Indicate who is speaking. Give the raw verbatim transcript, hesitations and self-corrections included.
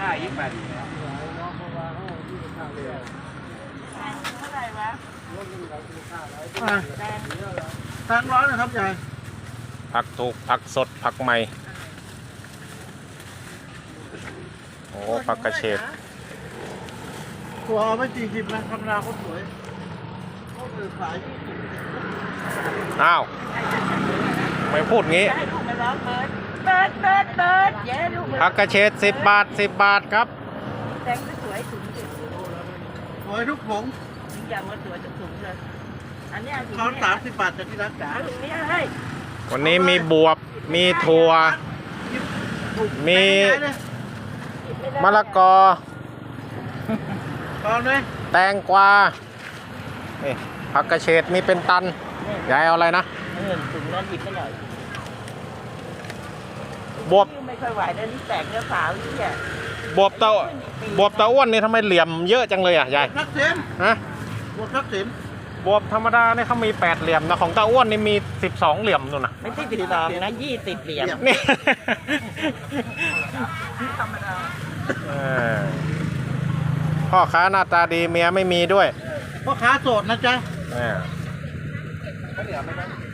Speaker 1: ค่าอีกบาทเท่าไหร่วะแตงร้อนนะครับยาย
Speaker 2: ผักถูกผักสดผักใหม่โอ้ผักกระเฉด
Speaker 1: ตัวเอาไม่สี่สิบนะธรรมดาเขาสวยเขาเลยขายยี่สิบ
Speaker 2: อ้าวไม่พูดงี้ผักกระเฉดสิบบาทสิบบาทครับ
Speaker 1: แตงสวยถุงสวยทุกผงอย่ามาสวยทุกถุงเลยอันนี้เขาสามสิบบาทจากที่ร้านจ๋า
Speaker 2: วันนี้มีบวบมีถั่วมีมะละกอแตงกวานี่ผักกระเฉดมีเป็นตันยายเอาอะไรนะ
Speaker 1: ถุงนั้นหยิบไปหน่อย
Speaker 2: บวบ
Speaker 1: ไม่ค่อยไหวแล้วนี่แตกเนื้อขาวนี่แหละ
Speaker 2: บวบเต้าบวบเต้าอ้วนนี่ทำไมเหลี่ยมเยอะจังเลยอ่ะยาย
Speaker 1: ทักษิณ
Speaker 2: ฮะ
Speaker 1: บวบทักษิณ
Speaker 2: บวบธรรมดาเนี่ยเขามีแปดเหลี่ยมนะของเต้าอ้วนนี่มีสิบสองเหลี่ยมนู่นนะ
Speaker 1: ไม่ใช่สิบสองนะยี่สิบเหลี่ยม
Speaker 2: นี่
Speaker 1: ธรรมดา
Speaker 2: พ่อค้าหน้าตาดีเมียไม่มีด้วย
Speaker 1: พ่อค้าโสดนะจ๊ะ